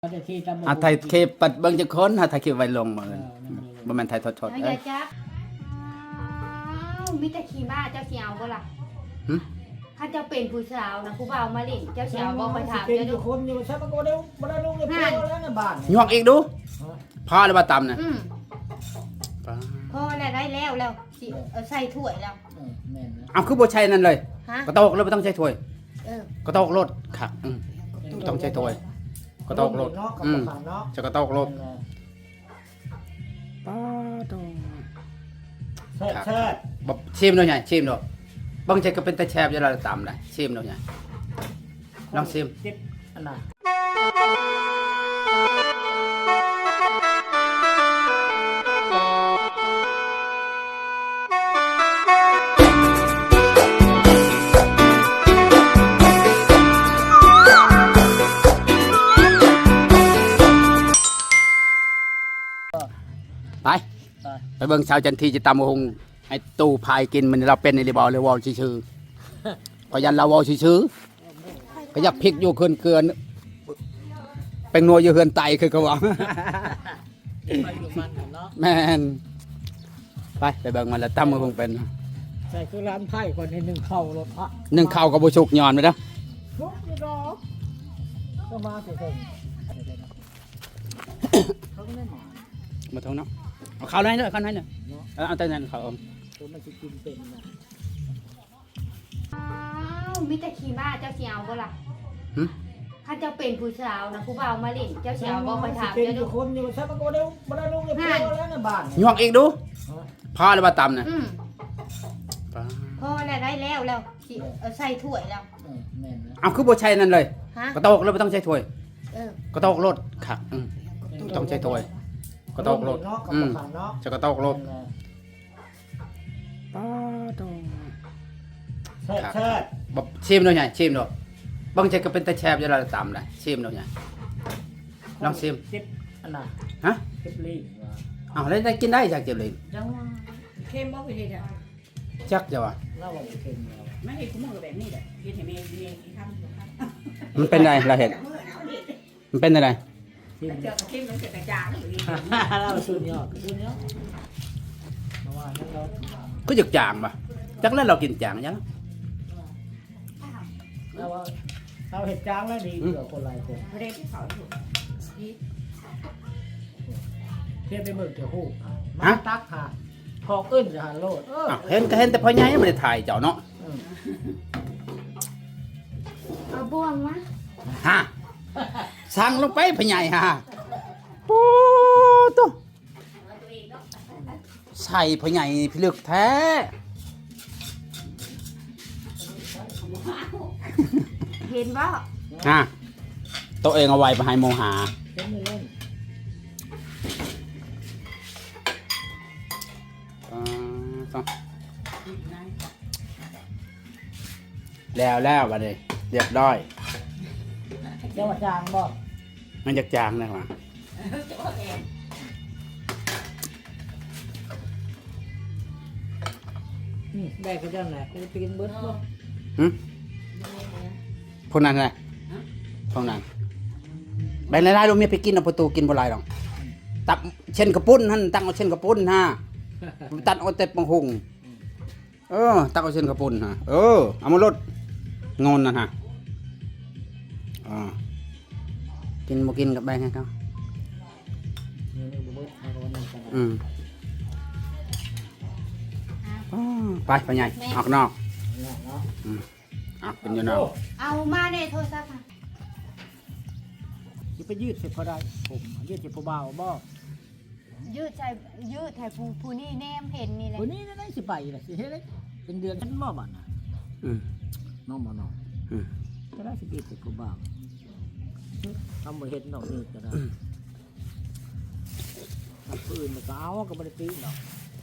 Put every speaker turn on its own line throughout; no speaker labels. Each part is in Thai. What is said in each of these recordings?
ไทยเคปัดเบิ่งจักคนไทยเคไว้ลงมื้อบ่แม่นไทยทดๆ
เอาอย่าจับมีแต่ขี้บ้าเจ้าเสียวบ่ล่ะถ้าเจ้าเป็นผู้สาวนะผู้บ่าวมาเล่นเจ้าเสียวบ่คอยถามเจ้าดู
คนอยู่ใช่ปะก็ได้บ่ได้ลงในพ่อแล้วในบ้าน
ยวกอีกดูพอแล้วว่าตำน่ะ
พอแล้วได้แล้วสิใส่ถ้วยแล้ว
แม่นนะ
เอาคือบ่ใช่นั่นเลยกระโตกเลยบ่ต้องใช้ถ้วยกระโตกรถค่ะต้องใช้ถ้วยกระโตกรถจะกระโตกรถป้าโต
แซ่บ
บ่ชิมดูใหญ่ชิมดูบางใจก็เป็นตะแชบอยู่แล้วตำได้ชิมดูใหญ่ลองชิม
จิ๊บอันน่ะ
ไปเบิ่งชาวจันทีจะตำหงไอ้ตู้พายกินมันเราเป็นในรีบอลเลยวอลชื่อพยันเราวอลชื่อก็อยากพริกอยู่เกินเป็นนัวอยู่เฮือนไตคือเขาบอกแม่นไปเบิ่งมันแล้วตำหงเป็น
ใส่คือร้านไผ่คนให้นึ่งข้าวรถพระ
นึ่งข้าวกับบุชุกย้อนไปนะ
ชุกนี่ดอกก็มาสิผมเขาไม่มา
มาทงเนาะเอาข้าวไหนเลยข้าวไหนเนี่ยเอาแต่นั้นข้าว
ตัวมันจะกินเป็นนะ
มีแต่ขี้บ้าเจ้าเสียวบ่ล่ะถ้าเจ้าเป็นผู้สาวนะผู้บ่าวมาเล่นเจ้าเสียวบ่คอยถามเจ้าดู
คนอยู่ใช่ปะก็ได้บ่ได้ลงในพ่อแล้วในบ้าน
ยวกอีกดูพอแล้วว่าตำน่ะ
พอแล้วได้แล้วสิใส่ถ้วยแล้ว
แม่นนะ
เอาคือบ่ใช่นั่นเลยกระโตกเลยบ่ต้องใช้ถ้วยกระโตกรถค่ะต้องใช้ถ้วยกระโตกรถจะกระโตกรถป้าโต
แซ่
บชิมดูใหญ่ชิมดูบางใจก็เป็นตะแชบอยู่แล้วตำได้ชิมดูใหญ่ลองชิม
จิ๊บอันน่ะจิ๊บลี
เอาได้กินได้จากเจ็บเลย
จังว่าเค็มบ่ไปเฮ็ดอ่ะ
จักจะว่า
เราบ่เค็ม
ไม่เฮ็ดกูมื้อแบบนี้แหละเฮ็ดให้แม่ทำ
มันเป็นไรเราเห็นมันเป็นอะไร
เจอเค็มมันจะกระจาง
เราสุดยอดว่านั่นเรา
ก็หยึกจางป่ะจักแล้วเรากินจางยัง
เราเห็ดจางแล้วดีกว่าคนหลายคน
เรียนที่เขาอยู่
เทียบไปเบิกเจ้าคู่มาตักค่ะพอขึ้นจะหันโลด
เห็นก็เห็นแต่พ่อใหญ่ไม่ได้ถ่ายเจ้าเนาะ
เอาบ่วงมา
ฮะสั่งลงไปพ่อใหญ่ฮะโอ้ตัวใส่พ่อใหญ่พิลึกแท้
เห็นบ่
ตัวเองเอาไว้ไปให้โมหาแล้วบัดนี้เรียบร้อย
เจ้าจางบ่
มันจะจางนะวะ
ได้ก็ได้แหละไปกินเบิร์ดบ่
พวกนั้นไงพวกนั้นใบลายๆลงมีไปกินเอาประตูกินบ่ลายหรอกตักเช่นกระปุ้นท่านตั้งเอาเช่นกระปุ้นฮะตัดเอาแต่ปังหุงตักเอาเช่นกระปุ้นฮะเอามาลดงอนนะฮะกินบ่กินกับใบไงเขาไปใหญ่ออกนอกเป็นอยู่นอก
เอามาในโทรศัพท์
จะไปยืดเสร็จพอได้ผมยืดเสร็จพอเบาบ่
ยืดไทยผู้นี่แนมเห็นนี่แหละ
ผู้นี่ได้สิไปเลยสิเฮ็ดเป็นเดือนฉันบ่บัดน่ะน้องบ่น้องจะได้สิยืดเสร็จพอเบาทำบ่เฮ็ดน้องนี่ก็ได้ปืนมันก็เอาก็บ่ได้ตีเนาะ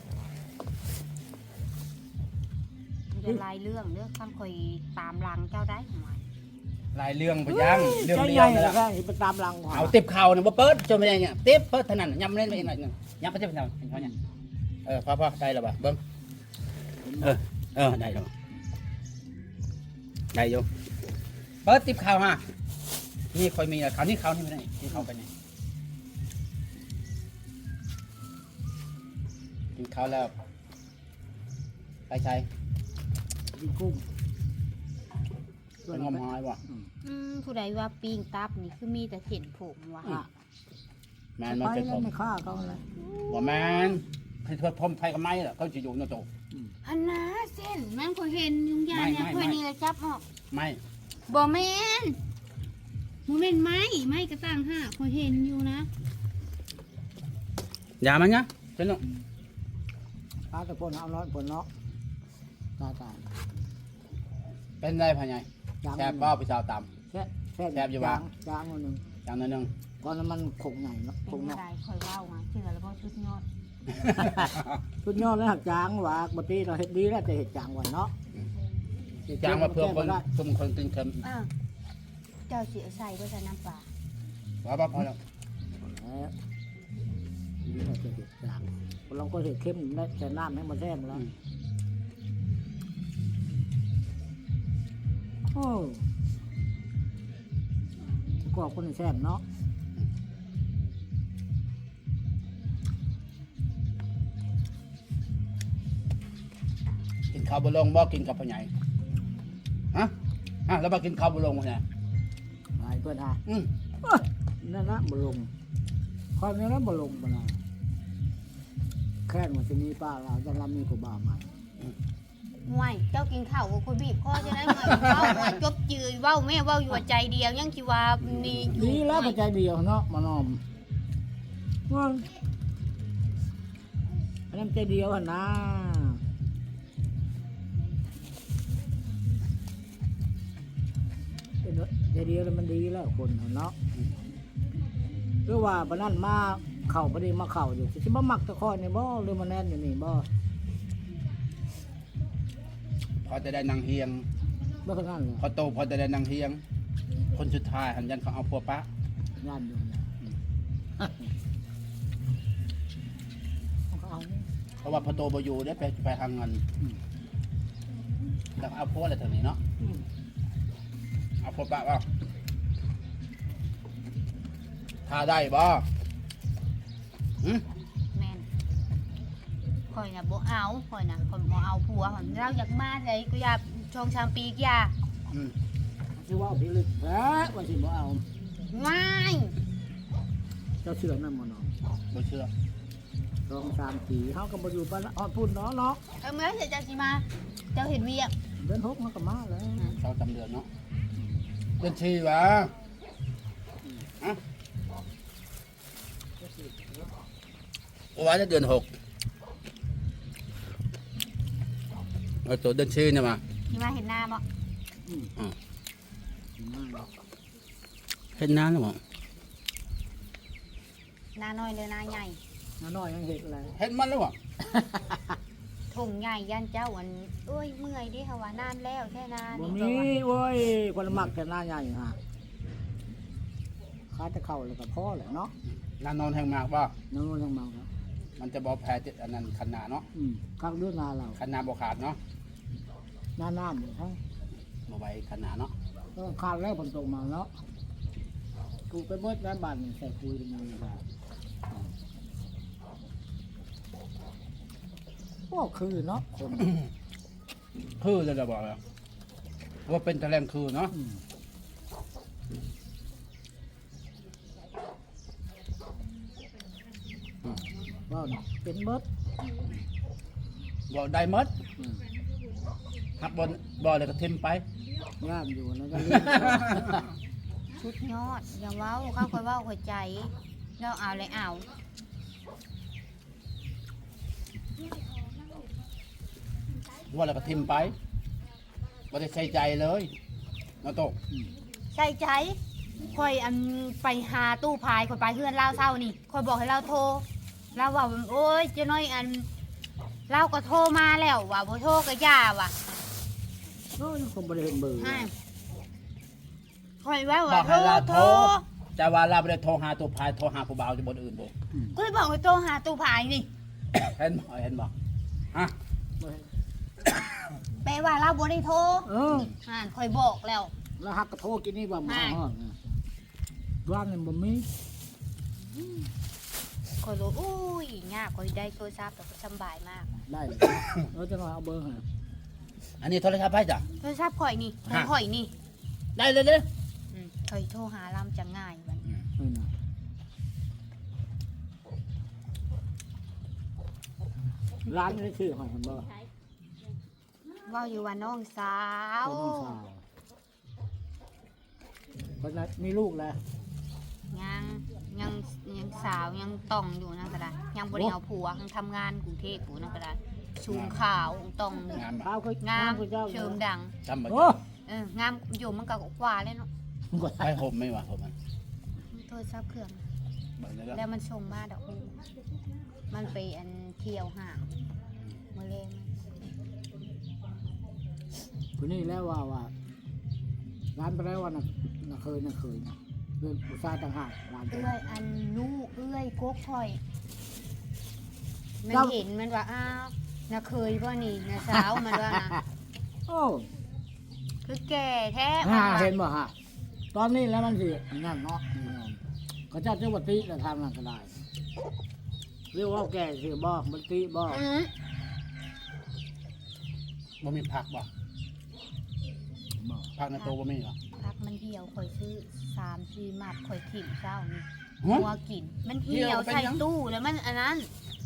จะลายเรื่องคำคอยตามหลังเจ้าได้หม
ลายเรื่องไปยังเรื่องเดียว
นั่นแหละไปตามหลัง
เอาติบเข่าเนี่ยบ่เปิดจนไม่ได้เนี่ยติบเปิดเท่านั้นย้ำเล่นไปอีกหน่อยนึงย้ำไปเท่านั้นเพราะเนี่ยพ่อได้แล้วป่ะเบิ้งได้แล้วได้อยู่เปิดติบเข่าฮะนี่ค่อยมีคราวนี้ไม่ได้กินข้าวกันนี่กินข้าวแล้วไปใช้
กินกุ้ง
ไปงมหอยบ่
ผู้ใดว่าปิ้งตับนี่คือมีแต่เส้นผมว่ะ
แมนมัน
ไป
เป็น
แล้
ผ
ว
ม
ไม่ฆ่าเขาเลย
บ่แมนให้เพื่อพรมไทยกับไม้ล่ะเขาจะอยู่ในโต
อันน่ะเส้นมันก็เห็นยุงยานเนี่ย
ไม่
ค่อยนี่ละจับออก
ไม่
บ่แม่นบ่แม่นไม้ก็ตั้งห้าค่อยเห็นอยู่นะ
อย่ามันนะเจ้าหนุ่ม
ตาตะพนเอาน้อยผลเนาะตาย
เป็นไรพ่อใหญ่แซ่บบ่พี่สาวต
แซ่บ
แซ่บอยู่วะ
จางอันหนึ่ง
ำอย่างนั้นนึง
ก่อนมันขงใหญ่เนาะข
เป็น
ง
อะ
เนาะ
ไรค่อยเว้ามาเชื่อแล้วบ่ชุดยอด
ชุดยอดแล้วหักจางว่าปกติเราเห็ดดีแล้วแต่เห็ดจางวันเนาะ
จ้างมาเพื่อคนซุ่มคนตึงเค็ม
เจ้าสิเอาใส่บ่ใส่น้ำปลา
ว่าบ่พอแล้ว
แล้วดีเราจะเห็ดจางเราก็เห็ดเข้มได้แต่น้ำให้มันแซ่บแล้วโอ้กรอบคนแซ่บเนาะ
กินข้าวบ่ลงบ่กินกับพ่อใหญ่ฮะแล้วมากินข้าวบ่ลงพ่อใหญ่
หายเพื่อนฮะ
อืม
นั่นนะบลงความนี้นั้นบลงมาแล้วแค่มันจะมีป้าเราจะรับมีกูบ้ามา
ห่วยเจ้ากินข้าวกับคนบีบคอจะได้เหมือนเว้าว่าจบจืดเว้าแม่เว้าอยู่ว่าใจเดียวยังสิว่านี่อยู่
ดีแล้วปัจจัยเดียวเนาะมานอมว่าอันนั้นใจเดียวนะใจเดียวแล้วมันดีแล้วคนเนาะหรือว่าปนั่นมาเข่าพอดีมาเข่าอยู่สิบ่มักตะคอยในบ่หรือมาแน่นอยู่นี่บ่
พอจะได้นางเฮียง
บ่ขนาดเลย
พอโตพอจะได้นางเฮียง คนสุดท้ายหันยันเขาเอาพัวปะ
งานอยู่เนี่ยเอานี่
เพราะว่าพอโตบ่อยู่ได้ไปทางเงินแล้วเอาพัวอะไรแถวนี้เนาะเอาพัวปะบ่ถ้าได้บ่หืม
แม่นข่อยน่ะบ่เอาข่อยน่ะข่อยบ่เอาผัวหั่นเราอยากมาเลยกูอยากชงชามปีกอยา
อืม
ชื่อว่าพี่ลึกแท้ว่าสิบ่เอา
ว้าย
เจ้าเชื่อนั่นบ่เนาะ
บ่เชื่อ
2 3 4เฮาก็บ่อยู่ปานนั้นอ่อนพุ่นเนาะเนาะ
เมื่อเจ้าสิมา เจ้าเห็นเวียก
เดือน6เฮาก็มาแล้ว
เขาจำเดือนเนาะเดือนชีวะฮะว่าจะเดือน6เอาตัวเดือนชีเนี่ยมา
สิมาเห็นหน้าบ่
มาแล้ว
เห็นน้ำหรือเปล่า
หน้าน้อยเลยหน้าใหญ่
น้าน้อยยังเฮ็ดอะไร
เห็นมันหรือเปล่า
ถุงใหญ่ยันเจ้าอันเอ้ยเมื่อยดิค่ะว่านานแล้วแค่นาน
บ่
นี่
มี
ก็ว่า
โอ้ยคนมักแต่หน้าใหญ่ฮะขาจะเข้าแล้วก็พอแหละเนาะ
นานนอนแห่งมากป่ะ
น้องยังเมาครับ
มันจะบอกแพ้อันนั้นคันนาเนาะ
ข้างด้วยนาเรา
คันนาบ่ขาดเนาะ
หน้าน้ำอยู่ทั้ง
บ่ไว้คันนาเนาะ
ก็ขาดแล้วผลตกมาเนาะกูไปเบิดแล้วบ้านนี่ใส่คุยกันยังไงบ้างก็คือเนาะคน
คือจะบอกแล้วว่าเป็นตะแลงคือเนาะ
ว่าเนาะเป็นเบิด
บอกได้หมดหักบอลบอลเลยก็ทิมไป
ย่ามอยู่แล้วก็เลี้ยง
ชุดยอดอย่าเว้าข้าคอยเว้าคอยใจเราเอาเลยเอา
ว่าแล้วก็ทิมไปบ่ได้ใส่ใจเลยเนาะโต
ใส่ใจคอยอันไปหาตู้พายคอยไปเพื่อนเล่าเศร้านี่คอยบอกให้เราโทรเราว่าโอ้ยเจะน้อยอันเราก็โทรมาแล้วว่าบ่โทรก็ย่าว่ะ
โอ้ยคงบริเวณเบอร์
คอยว่า
บ
ว่า
อกให้เราโทร
โทร
จะว่าเราบ่ได้โทรหาตัวพายโทรหาผู้บ่าวจะบ่อื่นบ่
ก็เลยบอกให้โทรหาตู้พายนี่
เห็นบ่ฮะ
แปลว่าเราบ่ได้โทร
เออ
คอยบอกแล้ว
แล้วหักกระโทษกินนี่ว่าหมอห้องว่างนี่บ่มี
คอยรู้อุ้ยยากคอยได้โทรศัพท์แต่ก็สำบายมาก
ได้เลยจะมาเอาเบอร์ให้
อันนี้โทรศัพท์ไปจ้ะ
โทรศัพท์ข่อยนี่ของข่อยนี่
ได้เลยเด้อ
ข่อยโทรหาลำจะง่ายมัน
นี่นะร้านนี้ชื่อหอยเห็นบ่
ว่าอยู่ว่าน้องสาว
น้องสาวคนนั้นมีลูกแล้ว
ยังยังสาวยังต้องอยู่นั่นก็ได้ยังบริเอาผัวยังทำงานกรุงเทพอยู่นั่นก็ได้ชูงขาวต้อง
งามบ่
ข้าวเคย
งาม
คุณเจ้า
เชิมดัง
จำบ่
โอ้
งามอยู่มันก็กว่าเลยเนาะ
ไปห่มไม่ว่าห่มมัน
โทรศัพท์เครื่อง
เบิ่งได้แล้ว
แล้วมันส่งมาดอกอูมันไปอันเที่ยวห่างมาเลย
คนนี้แล้วว่าร้านไปแล้วว่าน่ะเคยนะเรื่องอุตสาหต่างหากร้านไป
เอื้อยอันลูกเอื้อยโกกข่อย มันเห็นมันว่าอ้าวน่ะเคยบ่นี่น่ะสาวมันว่านะ
โอ้
คือแก่แท้
เห็นบ่ฮะตอนนี้แล้วมันสินั่นเนาะเขาเจ้าจังหวัดติแต่ทางนั้นก็ได้เรียกว่าแก่สิบ่มันติบ่
บ่มีผักบ่
บ่
ผักในโตะบ่มีหรอ
พักมันเหี่ยวข่อยซื้อ3-4มัดข่อยถิ่มเช้านี่
ฮะ
หัวกิน มันเหี่ยวใส่ตู้แล้วมันอันนั้น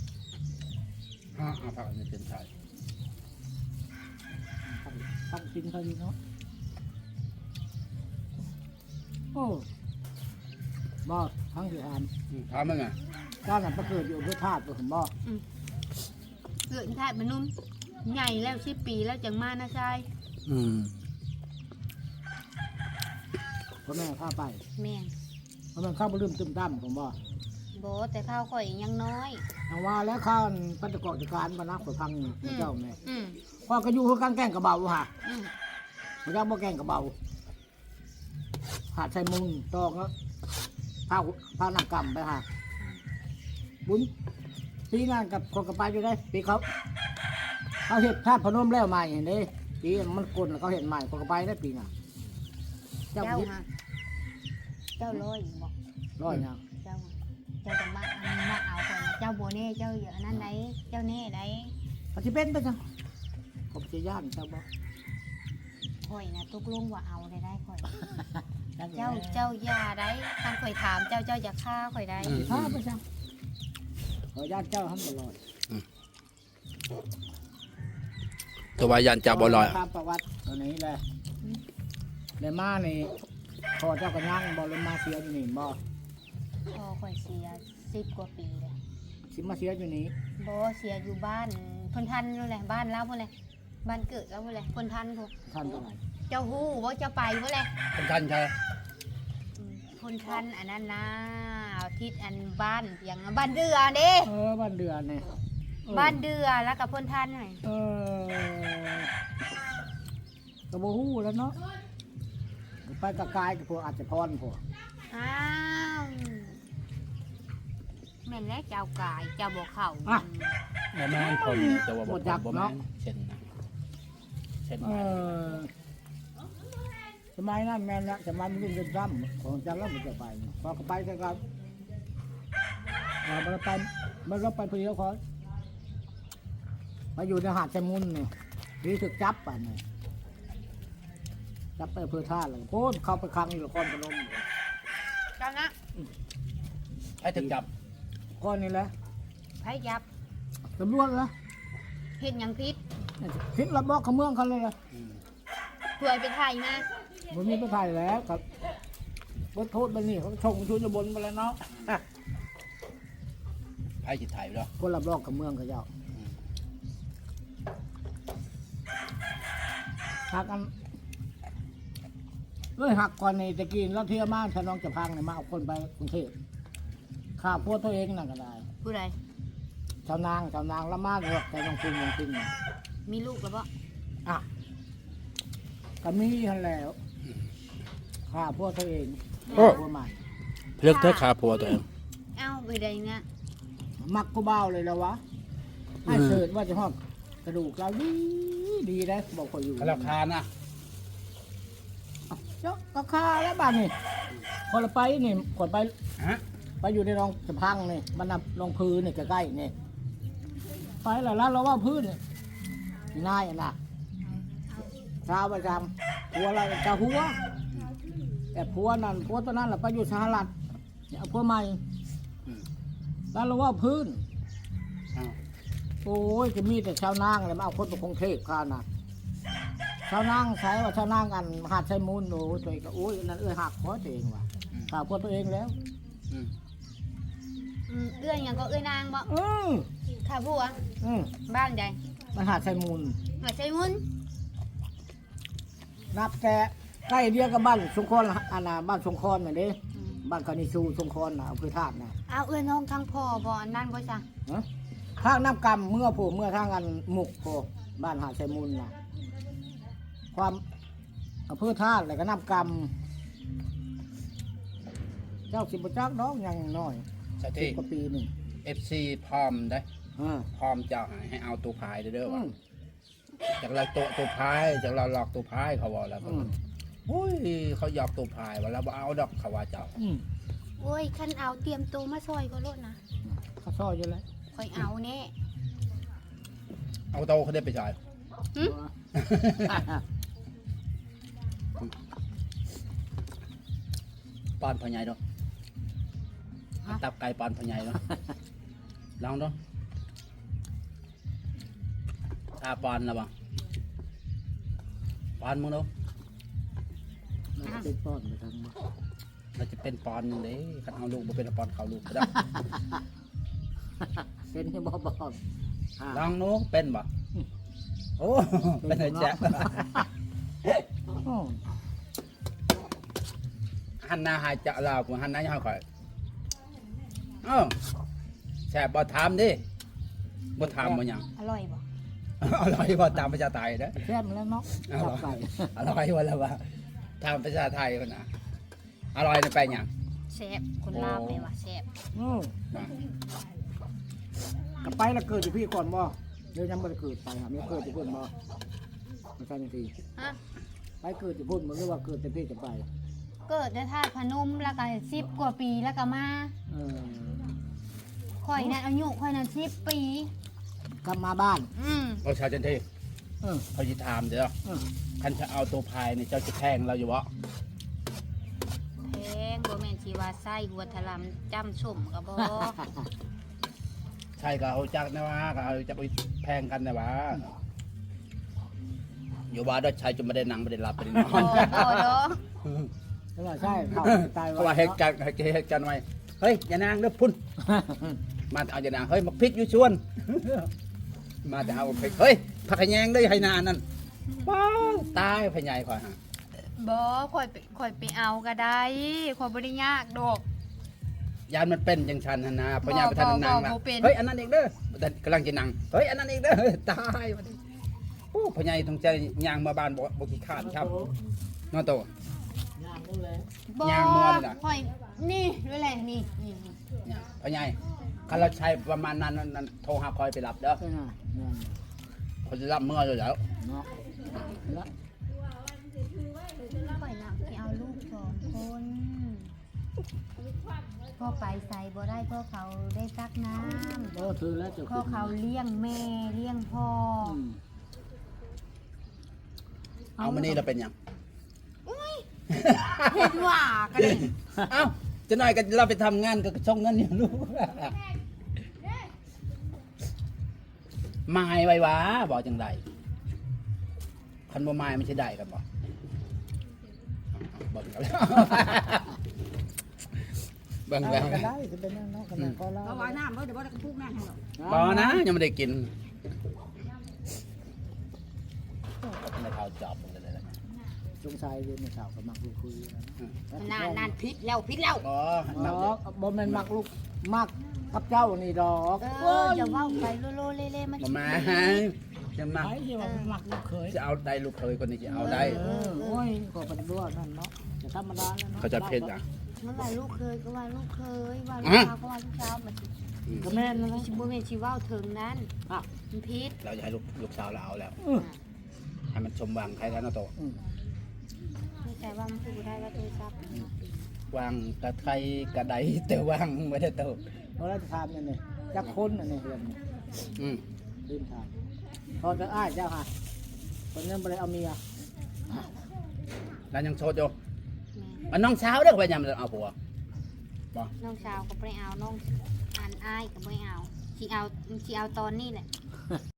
ผักอันนี้เป็นไทย
ต้องกินเขาดีเนาะโอ้บ่ทั้งสิอ่าน
ถามมันไง
ก้าวนั้นประเกิดอยู่เพื่อธาตุผมบ่
เกิดแท้มันนุ่มใหญ่แล้ว10 ปีแล้วจังมานะชาย
พ่อแม่พาไป
แม่น
เพราะมันเข้าบ่ลืมตึมตั้มผมบ่
บ่แต่ข้าวข่อยยังน้อย
ทางว่าแล้วข้าวปัจจุบันการมานักข่อยพังเจ้าแม่
อืม
พ่อก็อยู่คือกันแกล้งกระเบาฮะ
อืม
พระเจ้าบ่แกล้งกระเบาหาดใส่มุงตอกแล้วผ้าหนักกำไปฮะบุญปีนั้นกับคนกับไปอยู่ได้ปีเขาเห็ดธาตุพนมแล้วใหม่เห็นเด้ปีมันกลนแล้วเขาเห็นใหม่คนกับไปได้ปีน่ะเจ้า
เจ้า
พิษ
ฮะเจ้าร้อยบอก
ร้อยยัง
เจ้าจะมาเอาคนเจ้าโบเน่เจ้าอยู่อันนั้นไหนเจ้าเน่ไหน
ปฏิเป็นไปจังผมจะย่านเจ้าบ่
ข่อยนะตุกลุงว่าเอาได้ข่อย เจ้าย่าได้ท่านข่อยถามเจ้าอย่าฆ่าข่อยได้
ข้าไปจังขอย่านเจ้าหันบ่ลอย
ตัววายันจับบ่ลอย
ตามประวัติตัวนี้แหละเลยมานี่พอเจ้าก็ย่างบ่เลยมาเสียอยู่นี่บ่
พอข่อยเสีย10 กว่าปีเลย
สิมาเสียอยู่นี่
โบเสียอยู่บ้านพนทันนู่นแหละบ้านเราพุ่นแหละบ้านเกิดเราพุ่นแหละพนทันพวก
ท่านเท่าไหร่
เจ้าฮู้ว่าเจ้าไปพุ่นแหละ
เป็นทันใช่
พนทันอันนั้นนะทิศอันบ้านอย่างบ้านเดือเด้
บ้านเดือนนี่
บ้านเดือแล้วกับพนทันหน่อย
กระโบหูแล้วเนาะไปกระกายกับพวกอาจจะพรพวก
อ้าวแม่นแล้วเจ้ากายเจ้าบ่เข้า
บ่แม่นคนแต่ว่าบ่แม่นเช่นนะเช่น
สมัยนั้นแม่นละสมัยมันรุ่นเป็นร่ำของจันแล้วมันจะไปพอไปกันครับมันไปเพื่อเขามาอยู่ในหาดแซมุนเนี่ยนี่ถึกจับป่ะเนี่ยจับไปเพื่อท่าเลยโค้นเข้าไปคลังอยู่ละครพนม
เจ้านะ
ให้ถึงจับ
ก้อนนี้แหละ
ไผยับ
ตำรวจละ
เฮ็ดหยังผิด
พิษระบอกขมืองเขาเลยละ
ถวยไปไทยมา
มันมีประทายแล้วครับบทโทษมันนี่เขาชงชุนบนไปแล้วเนาะ
ให้จิตถ่ายไปแล้ว
คนรับรองขมืองเขาเจ้าหักกันเลยหักก่อนในตะกี้แล้วเที่ยวมาถ้าน้องจะพังเนี่ยมาเอาคนไปกรุงเทพข้าพวกตัวเองนั่นก็ได้
ผู้ใด
ชาวนางละมาเลยแต่น้องจริง
มีลูกแล้วบ่
อ่ะก็มีทันแล้วข้าพวกตัวเองพวกใหม่
เลือกเธอคาผัวตัวเอง
เอ้าไปได้เนี่ย
มักกูเบ้าเลยแล้ววะไอ้เสิร์ชว่าจะหอดกระดูกเราดีได้บอกคนอยู่
ราคานะ
เจ้าก็คาแล้วบ้านนี่คนละไปนี่คนไป
ฮะ
ไปอยู่ในรองสะพังนี่มันนับรองพื้นนี่ใกล้ๆนี่ไปแล้วเราว่าพื้นนี่ง่ายนะชาวประจำผัวอะไรจะหัวแต่ผัวนั่นผัวตัวนั้นแหละไปอยู่สหรัฐเนี่ยเอาผัวใหม่
อืม
แล้วเราว่าพื้น
อ้าว
โอ้ยจะมีแต่ชาวนางเลยมาเอาคนไปกรุงเทพข้านะชาวนางใช้ว่าชาวนางกันหาดใช้มูลโอ้ยตัวเองก็โอ้ยนั่นหักคอตัวเองว่ะข่าวคนตัวเองแล้ว
อืม
เอื้อยหยังก็เอื้อยนางบ่
อืม
ค่ะผัว
อืม
บ้านใด
มันหาดใช้มูล
หาใช้มุน
นับแต่ใกล้เดียวกับบ้านสงขลาอันน่ะบ้านสงขลาเนี่ยเด้บ้านคานิชูสงขลาน่ะอำเภอธาตุน่ะ
เอาเอื้อยน้องทางพ่อบ่อันนั้นบ่จ้ะ
ฮะทางน้ำกำเมื่อผมเมื่อทางกันหมุกโผบ้านหาดใช้มูลน่ะความอำเภอธาตุอะไรก็น้ำกำเจ้าสิบจักน้องยังน้อย
สา
สิ
ธิ
บกว่าปีหนึ่ง
FC พร้อมได้
อ่า
พร้อมเจ้าให้เอาตัวพายเด้อ
อื
ว่าม จากเราตัวพายจากเราหลอกตัวพายเขาบอกแล้ว
อืม
โอ้ยเขาหยอกตัวพายว่าเราบ่เอาดอกเขาว่าเจ้า
อืม
โอ้ยคันเอาเตรียมตัวมาซอยก็โลดนะ
เขาซ่อยอยู่แล้ว
ค่อยเอาแน่
เอาโตเขาได้ไปจ่าย
หึ
ปอนพ่อใหญ่เนาะตับไก่ปอนพ่อใหญ่เนาะลองดูตาปอนแล้วบ่ปอนมึงดู
น่าจะเป็นป้อนไปทางบ้าน
เราจะเป็นปอนเด้คันเอาลูกบ่เป็นปอนเขาลูกก็ได้
เป็นที่บ่บอกอ่า
ลองนูเป็นบ่โอ้เป็นไอ้แจ๊ะ
อืม
หันหน้าหายจะลาวกูหันหน้าให้ข่อยเอ้าแซ่บบ่ถามดิบ่ถามบ่หยัง
อร่อยบ่
อร่อยบ่ตามภาษาไทยเด้อ
แซ่บแล้วเนาะ
อ
จั
ร่
บ
อย
ไก่
อร่อยว่าแล้วว่าตามภาษาไทยพุ่นน่ะอร่อยนี่ไปหยัง
แซ่บคนลาวเลยว่ะแซ่บ
อืมกลับไปแล้วเกิดอยู่พี่ก่อนบ่เดี๋ยวยังไม่ได้เกิดไปหาไม่เกิดอยู่พุ่นบ่ไม่ใช่นาที
ฮะ
ไปเกิดอยู่พุ่นมันเรียกว่าเกิดแต่พี่จะไป
เกิดในธาตุพนมแล้วก็10 กว่าปีแล้วก็มา
เออ
ข่อยนั่นอายุข่อยนั่น10 ปี
กลับมาบ้าน
เอาชาวจันที
เออ
เขาสิถามเด้อ
เออ
คันจะเอาตัวพายนี่เจ้าจะแทงเราอยู่บ่
แพงบ่แม่นสิว่าไส้หัวทะลำจ้ำส้มก็บ่
ใช่ก็เอาจักนะว่าก็เอาจะไปแพงกันนะว่าอยู่บ้านด้วยชายจนไม่ได้นั่งไม่ได้หลับไม่ได้นอ
โอ้
น
โหเนาะ
แล้วว่าใช่เขาตาย
เพราะว่าเหตุการณ์ไว้เฮ้ยอย่านางเด้อพุ่นมาเอาอย่านางเฮ้ยมาพริกอยู่ชวน มาแต่เอาพริกเฮ้ยผักขะแยงได้ให้นานนั่นว้าวตายพะใหญ่ข่อยฮะ
บ่ข่อยไปเอาก็ได้ข่อยบ่ได้ยากดอก
ยานมันเป็นจังชันหั่นนะพะใหญ่ประธานนางนะ
บ่เป็น
เฮ้ยอันนั้นเองเด้อแต่กำลังจะนั่งเฮ้ยอันนั้นเองเด้อตายวันนี้โอ้พะใหญ่ต้องใจยางมาบ้านบ่ขี้ขาดครับนอนโต
ย่างนู่นเลย
บ่
ย่างมัวนี่ล่ะ
ข่อยนี่ด้วยแหละนี่นี่
เนี่ยพ่อใหญ่คันเราใช้ประมาณนั้นโทรหาคอยไปรับเด้อ
ใช่ไหมย่าง
เขาจะรับเมื่ออยู่แล้ว
เนาะแล้ว
ข่อยน่ะสิเอาลูก2 คนพ่อไปใส่บ่ได้พ่อเขาได้ตักน้ำ
โอ้ถือแล้วจะ
พ่อเขาเลี้ยงแม่เลี้ยงพ่อ
อืม
เอามานี่เราเป็นหยัง
เห็นว่ากันเลย
เอ้าจะหน่อยก็เราไปทำงานก็ส่งเงินอยู่ลูกไม้ไว้วะบอกจังไดคันบ่ไม้ไม่ใช่ได้กันบ่เบิ่งกันแล้วเบิ่งแล้ว
ก็ได้จะเป็นนั่นเนาะขนาดก็เล่า
เอาไว้น้ำเดี๋ยวบ่ได้กระพุ้งน้ำให้หรอก
บ่นะยังไม่ได้กินไม่เท่าจอบเลยนะ
สงสัยอยู่ในข่าวกับมักลูกคุยนะ
นานพิษแล้วพิษแล้ว
อ๋อ
ดอกบ่แม่นมักลูกมักกับเจ้านี่ดอก
อย่าว่าไปโลเล่ๆมัน
บ่มาจะมา
ไอ้ที่ว่ามักลูกเคย
จะเอาได้ลูกเคยคนนี้จะเอาได้
โอ้ยก็เป็นด้วยนั่นเนาะจะธรรมดาแล้วเนาะ
เขาจะเพชรอ่ะ
เมื่อไหร่ลูกเคยก็ว่าลูกเคยว่าลูก
อ่ะ
สาวก็ว่าลูกสาวมัน
ก็แม่นนะ
ชิบ่แม่นสิเว้าถึงนั้น
อ่ะ
มันผิด
เราจะให้ลูกสาวเราเอาแล้ว
อือ
ให้มันสมหวังใครแล้วนะโต
อือ
ไม่ใช่ว่ามันพูดได้แล้วโทรศัพท์
วางกระไทยกระไดแต่วางไม่ได้เติบ
เพราะเราจะทำนั่นนี่จะค้นนั่นนี่เรื่องนี้
อืม
ลืมทำพอจะอ้ายเจ้าค่ะคนนั้นบ่ไปเอาเมีย
แล้วยังโสดอยู่
แม่
อันน้องสาวเด้อไปยามเอาผัว
น้องสาวก็บ่ได้เอาน้องอันอ้ายก็บ่ได้เอาสิเอาตอนนี้แหละ